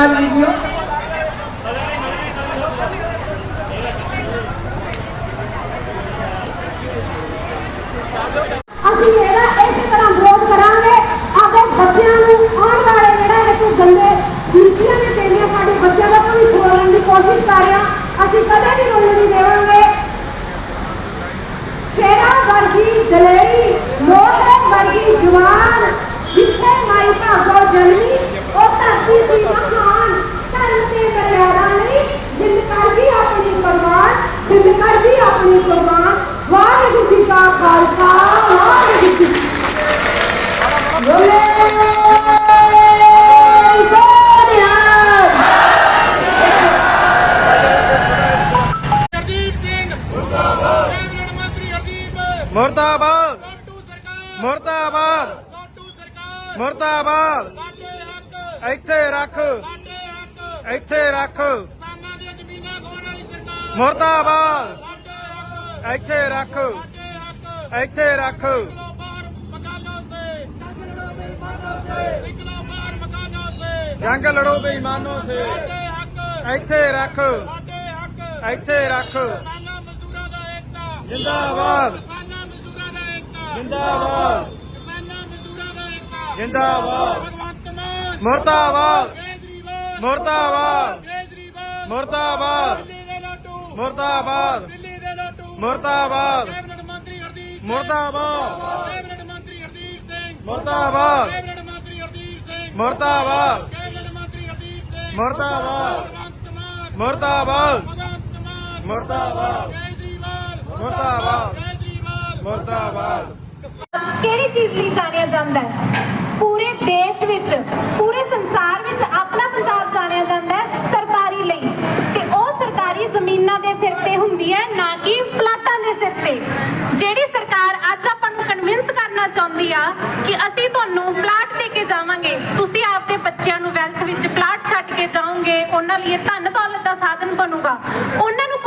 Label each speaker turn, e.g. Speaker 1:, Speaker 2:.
Speaker 1: ਧੰਨਵਾਦ ਵੀਡੀਓ।
Speaker 2: ਅਸੀਂ ਇਹਦਾ ਇਸੇ ਤਰ੍ਹਾਂ ਵਿਰੋਧ ਕਰਾਂਗੇ। ਆਪਣੇ ਬੱਚਿਆਂ ਨੂੰ ਆਉਣ ਵਾਲੇ ਜਿਹੜਾ ਇਹ ਕੋਈ ਗੰਦੇ ਨੀਤੀਆਂ ਨੇ ਦੇਣੀਆਂ ਸਾਡੇ ਬੱਚਿਆਂ ਦਾ ਭਵਿੱਖ ਬਣਾਉਣ ਦੀ ਕੋਸ਼ਿਸ਼ ਕਰ ਰਿਹਾ, ਅਸੀਂ ਕਦੇ ਵੀ ਰੋਣ ਨਹੀਂ ਦੇਵਾਂਗੇ। ਸ਼ੇਰਾਂ ਵਰਗੀ ਦਲੇਰੀ, ਲੋਹੇ ਵਰਗੀ ਜਵਾਨ, ਜਿੱਥੇ ਮਾਈ ਭਾਗੋ ਜਨਮੀ ਉਹ ਧਰਤੀ ਦੀ ਮਹਾਨ, ਧਰਮ ਤੇ ਮਰਿਆਦਾ ਨਹੀਂ, ਦਿਲ ਕਰਦੀ ਆਪਣੀ ਕੁਰਬਾਨ, ਦਿਲ ਕਰਦੀ ਆਪਣੀ ਕੁਰਬਾਨ। ਵਾਹਿਗੁਰੂ ਜੀ ਕਾ ਖਾਲਸਾ, ਵਾਹਿਗੁਰੂ ਜੀ ਕੀ ਬੋਲੇ।
Speaker 3: मुर्दाबाद मुर्दाबाद मुर्दाबाद ਇੱਥੇ ਰੱਖ ਇੱਥੇ ਰੱਖ ਮੁਰਦਾਬਾਦ ਇੱਥੇ ਰੱਖ ਇੱਥੇ ਰੱਖ जंग लड़ो बेईमानों से ਇੱਥੇ ਰੱਖ ਇੱਥੇ ਰੱਖ जिंदाबाद जिंदाबाद जिंदाबाद मुर्दाबाद मुर्दाबाद मुर्दाबाद मुर्दाबाद मुर्दाबाद मुर्दाबाद मुर्दाबाद मुर्दाबाद मुर्दाबाद मुर्दाबाद मुर्दाबाद मुर्दाबाद मुर्दाबाद।
Speaker 2: ਕਿਹੜੀ ਚੀਜ਼ ਲਈ ਜਾਣਿਆ ਜਾਂਦਾ ਹੈ? ਪੂਰੇ ਦੇਸ਼ ਵਿੱਚ, ਪੂਰੇ ਸੰਸਾਰ ਵਿੱਚ ਆਪਣਾ ਪੰਜਾਬ ਜਾਣਿਆ ਜਾਂਦਾ ਹੈ ਸਰਕਾਰੀ ਲਈ, ਤੇ ਉਹ ਸਰਕਾਰੀ ਜ਼ਮੀਨਾਂ ਦੇ ਸਿਰ ਤੇ ਹੁੰਦੀ ਹੈ, ਨਾ ਕਿ ਪਲਾਟਾਂ ਦੇ ਸਿਰ ਤੇ। ਜਿਹੜੀ ਸਰਕਾਰ ਅੱਜ ਆਪਾਂ ਨੂੰ ਕਨਵਿੰਸ ਕਰਨਾ ਚਾਹੁੰਦੀ ਆ ਕਿ ਅਸੀਂ ਤੁਹਾਨੂੰ ਪਲਾਟ ਦੇ ਕੇ ਜਾਵਾਂਗੇ, ਤੁਸੀਂ ਆਪਦੇ ਬੱਚਿਆਂ ਨੂੰ ਵੈਲਥ ਵਿੱਚ ਪਲਾਟ ਛੱਡ ਕੇ ਜਾਓਗੇ, ਉਹਨਾਂ ਲਈ ਧਨ ਦੌਲਤ ਦਾ ਸਾਧਨ ਬਣੂਗਾ, ਉਹਨਾਂ ਨੂੰ